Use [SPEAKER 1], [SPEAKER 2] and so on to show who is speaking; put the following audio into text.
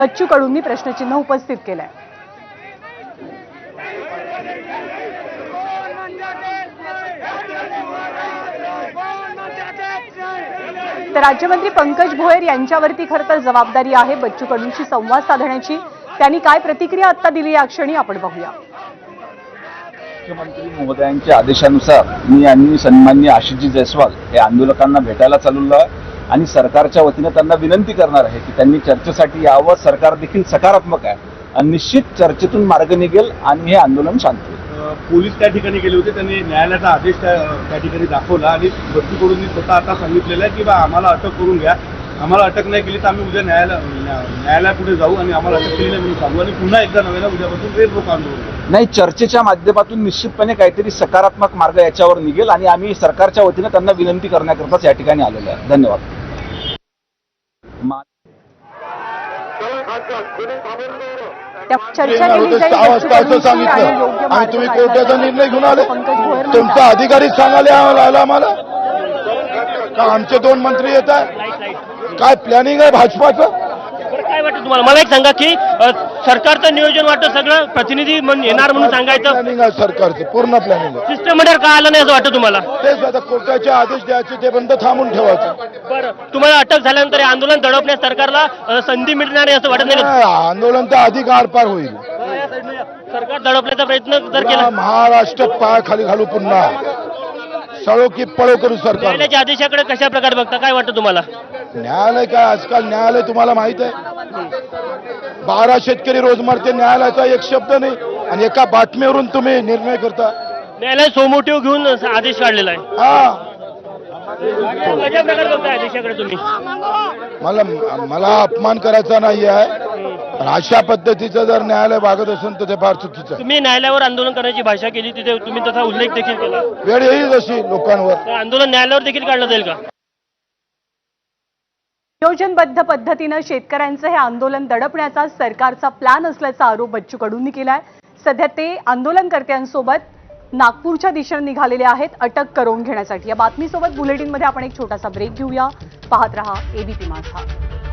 [SPEAKER 1] बच्चू कडूंनी प्रश्नचिन्ह उपस्थित केलंय। तर राज्यमंत्री पंकज भोयर यांच्यावरती खरं तर जबाबदारी आहे बच्चू कडूंशी संवाद साधण्याची। त्यांनी काय प्रतिक्रिया आता दिली या क्षणी आपण बघूया।
[SPEAKER 2] मुख्यमंत्री महोदयांच्या आदेशानुसार मी आणि सन्माननीय आशिषजी जयस्वाल हे आंदोलकांना भेटायला चाललो आहे आणि सरकारच्या वतीने त्यांना विनंती करणार आहे की त्यांनी चर्चेसाठी यावं। सरकार देखील सकारात्मक आहे आणि निश्चित चर्चेतून मार्ग निघेल आणि हे आंदोलन शांत होईल।
[SPEAKER 3] पोलीस त्या ठिकाणी गेले होते, त्यांनी न्यायालयाचा आदेश त्या ठिकाणी दाखवला आणि बच्चू कडूंनी स्वतः आता सांगितलेलं आहे की बा आम्हाला अटक करून घ्या, आम्हाला अटक नाही केली तर आम्ही उद्या न्यायालयापुढे जाऊ आणि आम्हाला अटक केली नाही म्हणून सांगू आणि पुन्हा एकदा नव्यानं उद्यापासून रेल रोको आंदोलन।
[SPEAKER 2] नाही, चर्चेच्या माध्यमातून निश्चितपणे काहीतरी सकारात्मक मार्ग याच्यावर निघेल आणि आम्ही सरकारच्या वतीने त्यांना विनंती करण्याकरताच या ठिकाणी आलेलो आहे। धन्यवाद।
[SPEAKER 1] चर्चा केली जाईल
[SPEAKER 4] असं सांगितलं आणि तुम्ही कोर्टाचा निर्णय घेऊन आले। तुमचा अधिकारीच सांगायला आम्हाला का आमचे 2 मंत्री येत आहे? काय प्लॅनिंग आहे भाजपाचं?
[SPEAKER 5] काय वाटतं तुम्हाला? मला एक सांगा की सरकारचं नियोजन वाटतं सगळं प्रतिनिधी येणार म्हणून सांगायचं
[SPEAKER 4] प्लॅनिंग आहे सरकारचं, पूर्ण प्लॅनिंग आहे।
[SPEAKER 5] सिस्टममध्ये का आलं नाही असं वाटतं तुम्हाला?
[SPEAKER 4] तेच आता कोर्टाचे आदेश द्यायचे, ते बंद थांबून ठेवायचं।
[SPEAKER 5] बरं, तुम्हाला अटक झाल्यानंतर हे आंदोलन दडपण्यास सरकारला संधी मिळणार नाही असं वाटत नाही का?
[SPEAKER 4] आंदोलन तर अधिक आरपार होईल।
[SPEAKER 5] सरकार दडपण्याचा प्रयत्न जर केला,
[SPEAKER 4] महाराष्ट्र पायाखाली घालू, पुन्हा सळो की पळो करू सरकार।
[SPEAKER 5] न्यायालयाच्या आदेशाकडे कशा प्रकारे बघता? काय वाटतं तुम्हाला?
[SPEAKER 4] न्यायालय काय, आजकाल न्यायालय तुम्हाला माहित आहे, 12 शेतकरी रोज मरते, न्यायालयाचा एक शब्द नाही आणि एका बातमीवरून तुम्ही निर्णय करता।
[SPEAKER 5] न्यायालय सोमोटिव्ह घेऊन आदेश काढलेला आहे। कशा प्रकारे बघता आदेशाकडे तुम्ही?
[SPEAKER 4] मला अपमान करायचा नाही आहे, पण अशा पद्धतीचं जर न्यायालय वागत असेल तर ते फार चुकीचं आहे।
[SPEAKER 5] तुम्ही न्यायालयावर आंदोलन करण्याची भाषा केली, तिथे तुम्ही तसा उल्लेख देखील केला।
[SPEAKER 4] वेळ येईल अशी लोकांवर,
[SPEAKER 5] तर आंदोलन न्यायालयावर देखील काढलं जाईल का?
[SPEAKER 1] नियोजनबद्ध पद्धतीनं शेतकऱ्यांचं हे आंदोलन दडपण्याचा सरकारचा प्लॅन असल्याचा आरोप बच्चू कडूंनी केलाय। सध्या ते आंदोलनकर्त्यांसोबत नागपूरच्या दिशेने निघालेले आहेत अटक करून घेण्यासाठी। या बातमीसोबत बुलेटिनमध्ये आपण एक छोटासा ब्रेक घेऊया। पाहत रहा एबीपी माझा।